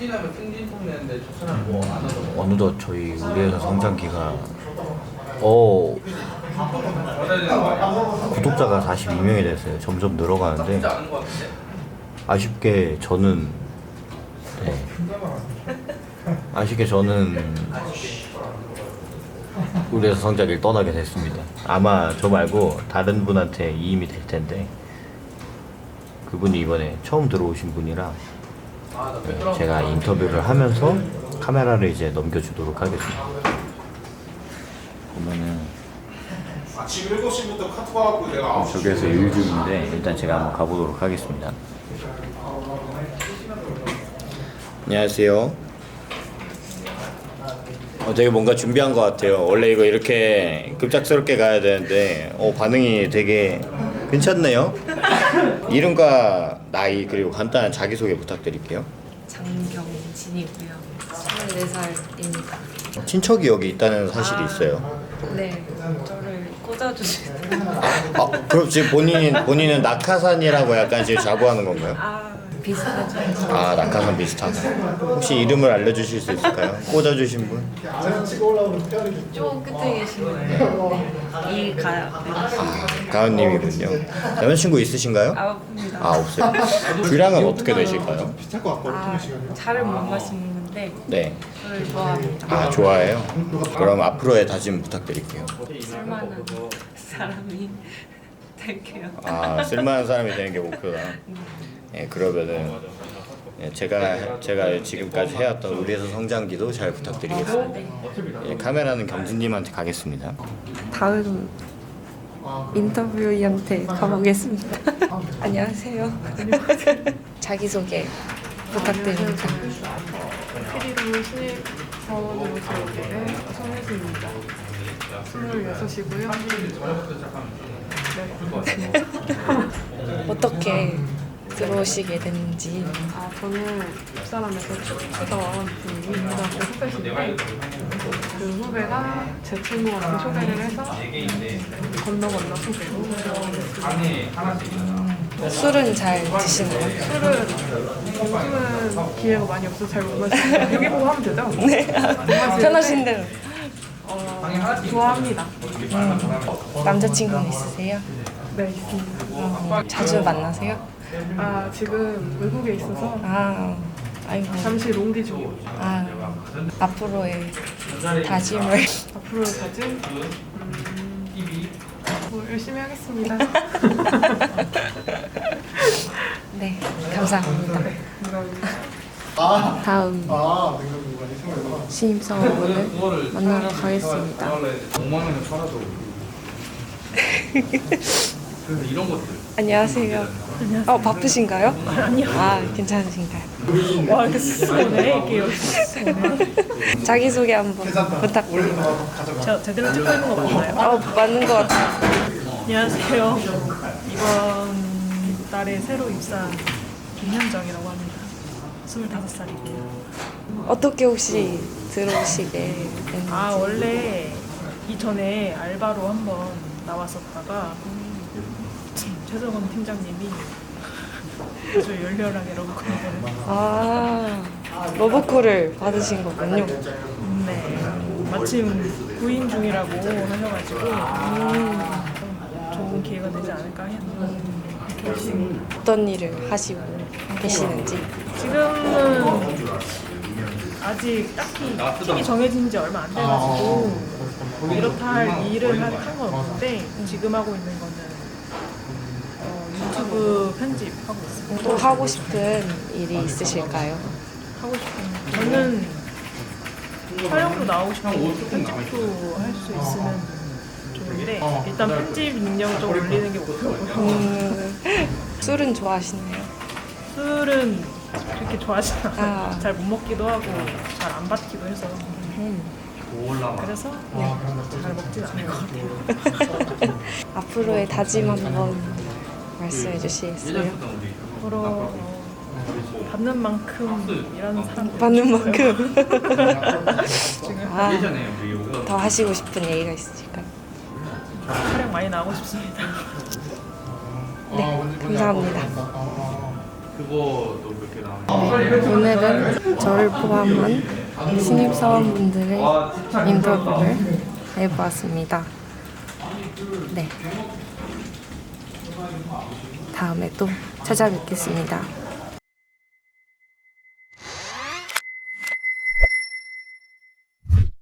어느덧 저희 우리 회사 성장기가 구독자가 42명이 됐어요. 점점 늘어가는데 아쉽게 저는 우리 회사 성장기를 떠나게 됐습니다. 아마 저 말고 다른 분한테 이임이 될 텐데 그분이 이번에 처음 들어오신 분이라 제가 인터뷰를 하면서 카메라를 이제 넘겨주도록 하겠습니다. 보면은 아침 7시부터 카톡 와갖고 내가 9시 저기에서 일 중인데 일단 제가 한번 가보도록 하겠습니다. 안녕하세요. 되게 뭔가 준비한 것 같아요. 원래 이거 이렇게 급작스럽게 가야 되는데 반응이 되게 괜찮네요. 이름과 나이 그리고 간단한 자기소개 부탁드릴게요. 장경진이고요. 24살입니다. 친척이 여기 있다는 사실이 있어요. 네, 저를 꽂아주시는. 그럼 지금 본인은 낙하산이라고 약간 지금 자부하는 건가요? 비슷하죠. 낙하산 비슷하다. 혹시 이름을 알려주실 수 있을까요? 꽂아주신 분? 좀 끝에 계시는데 이가요. 가은님이군요. 남자친구 있으신가요? 아픕니다. 없어요. 주량은 어떻게 되실까요? 차를 못 마시는데 네. 저를 좋아합니다. 좋아해요? 그럼 앞으로의 다짐 부탁드릴게요. 쓸만한 사람이 될게요. 쓸만한 사람이 되는 게 목표다. 그러면은 제가 지금까지 해왔던 우리 회사 성장기도 잘 부탁드리겠습니다. 카메라는 경진님한테 가겠습니다. 다음 인터뷰이한테 가보겠습니다. 안녕하세요. 자기소개 부탁드립니다. 피리로 신입 사원으로 들어오게 된 손혜수입니다. 26이고요. 어떻게 들어오시게 됐는지. 저는 입사람에서 출입하던 고등학교 후배신데 그 후배가 제 친구한테 소개를 해서 건너 소개로 술은 잘 드시나요? 술은 요즘은 기회가 많이 없어서 잘 못 마시는데 여기 보고 하면 되죠? 네, 편하신 대로. 좋아합니다. 남자친구는 있으세요? 네, 있습니다. 자주 만나세요? 지금 외국에 있어서 아이고. 잠시 롱디 중. 앞으로의 다짐을. 앞으로의 다짐? 열심히 하겠습니다. 네, 감사합니다. 다음 신입사원분을 만나러 가겠습니다. 5만 원에 팔아도 그래서 이런 것들 안녕하세요. 바쁘신가요? 아니요. 괜찮으신가요? 와, 이렇게 쓰네, 이게. 자기소개 한번 부탁드립니다. 저 제대로 찍고 있는 거 맞나요? 맞는 것 같아요. 안녕하세요. 이번 달에 새로 입사한 김현정이라고 합니다. 25살이고요. 어떻게 혹시 들어오시게 됐는지. 원래 이전에 알바로 한번 나왔었다가 최석원 팀장님이 아주 열렬하게 러브콜을 러브콜을 받으신 거군요. 네, 마침 구인 중이라고 하셔가지고 좋은 기회가 되지 않을까 했는데 어떤 일을 하시고 계시는지. 지금은 아직 딱히 팀이 정해진 지 얼마 안 돼가지고 이렇다 할 일을 한 건 없는데 지금 하고 있는 거는 유튜브 편집하고 있습니다. 또 하고 싶은 일이 있으실까요? 하고 싶은 저는 촬영도 나오고 싶고 편집도 할 수 있으면 좋은데 일단 편집 능력 좀 올리는 게 목표고요. 술은 좋아하시나요? 술은 그렇게 좋아하지 않아요. 잘 못 먹기도 하고 잘 안 받기도 해서 그래서 잘 먹진 않을 것 같아요. 앞으로의 다짐 한번 말씀해 주시겠어요? 앞으로 받는 만큼 일하는 사람 받는 만큼. 예전에 더 하시고 싶은 얘기가 있으실까요? 촬영 많이 나오고 싶습니다. 네, 감사합니다. 그거도 몇 개 나와요. 네, 오늘은 저를 포함한 신입사원분들의 인터뷰를 해보았습니다. 네. 다음에 또 찾아뵙겠습니다.